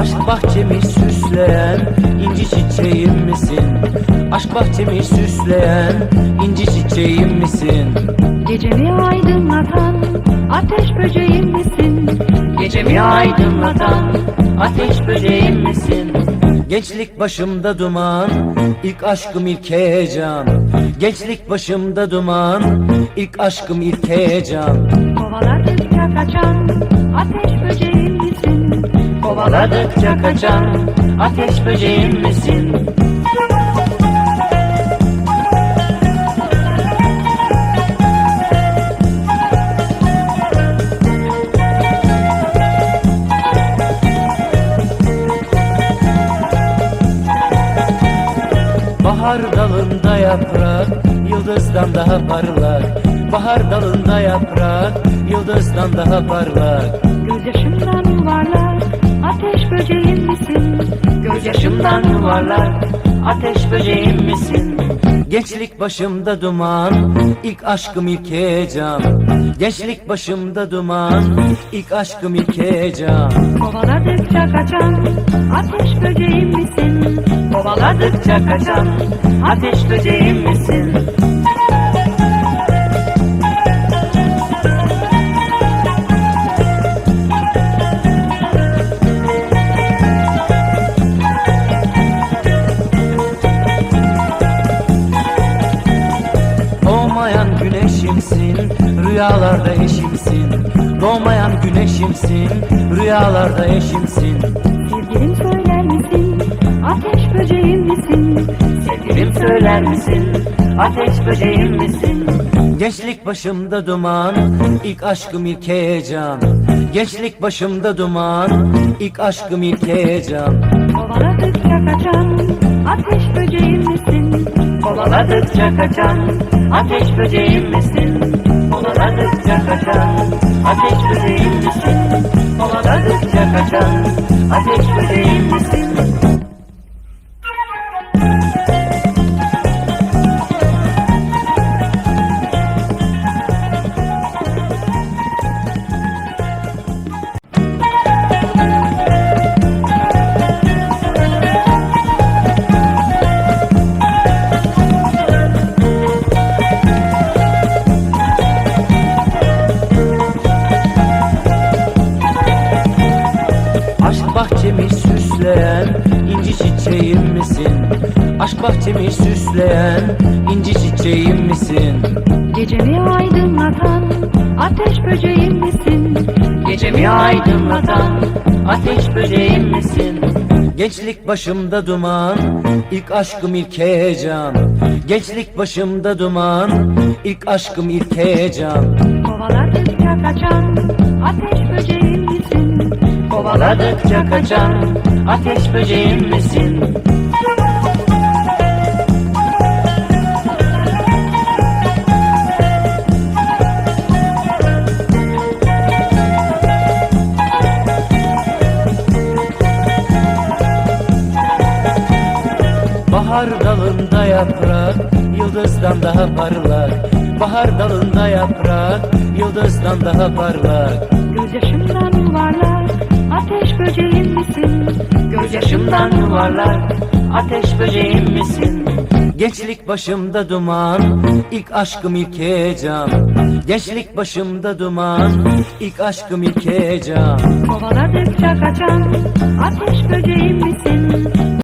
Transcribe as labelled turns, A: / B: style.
A: Aşk bahçemi süsleyen inci çiçeğim misin? Aşk bahçemi süsleyen inci çiçeğim misin?
B: Gecemi aydınlatan ateş böceğim misin?
A: Gecemi aydınlatan ateş böceğim misin? Gençlik başımda duman, ilk aşkım ilk heyecan. Gençlik başımda duman, ilk aşkım ilk heyecan.
B: Kovaladıkça kaçan ateş böceğim misin?
A: Kovaladıkça kaçan ateş böceğim misin? Bahar dalında yaprak, yıldızdan daha parlak. Bahar dalında yaprak, yıldızdan daha parlak.
B: Gözyaşımdan yuvarlak ateş böceğim misin?
A: Gözyaşımdan yuvarlak, ateş böceğim misin? Gençlik başımda duman, ilk aşkım ilk heyecan. Gençlik başımda duman, ilk aşkım ilk heyecan.
B: Kovaladıkça kaçan ateş böceğim misin?
A: Kovaladıkça kaçan ateş böceğim misin? Doğmayan güneşimsin, rüyalarda eşimsin. Doğmayan güneşimsin, rüyalarda eşimsin.
B: Sevgilim söyler misin? Ateş böceğim misin?
A: Sevgilim söyler misin? Ateş böceğim misin? Gençlik başımda duman, ilk aşkım ilk heyecan. Gençlik başımda duman, ilk aşkım ilk heyecan.
B: Kovaladıkça kaçan ateş böceğim misin?
A: Kovaladıkça kaçan ateş böceğim misin? Kovaladıkça kaçan ateş böceğim misin? Kovaladıkça kaçan ateş böceğim misin? Aşk bahçemi süsleyen inci çiçeğim misin? Aşk bahçemi süsleyen inci çiçeğim misin?
B: Gecemi aydınlatan ateş böceğim misin?
A: Gecemi aydınlatan ateş böceğim misin? Gençlik başımda duman, ilk aşkım ilk heyecan. Gençlik başımda duman, ilk aşkım ilk heyecan.
B: Kovaladıkça kaçan ateş böceğim misin?
A: Kovaladıkça kaçan ateş böceğim misin? Bahar dalında yaprak, yıldızdan daha parlak. Bahar dalında yaprak, yıldızdan daha parlak.
B: Gözyaşımdan yuvarlak ateş böceğim misin?
A: Gözyaşımdan yuvarlak, ateş böceğim misin? Gençlik başımda duman, ilk aşkım ilk heyecan. Gençlik başımda duman, ilk aşkım ilk heyecan.
B: Kovaladıkça kaçan ateş böceğim misin?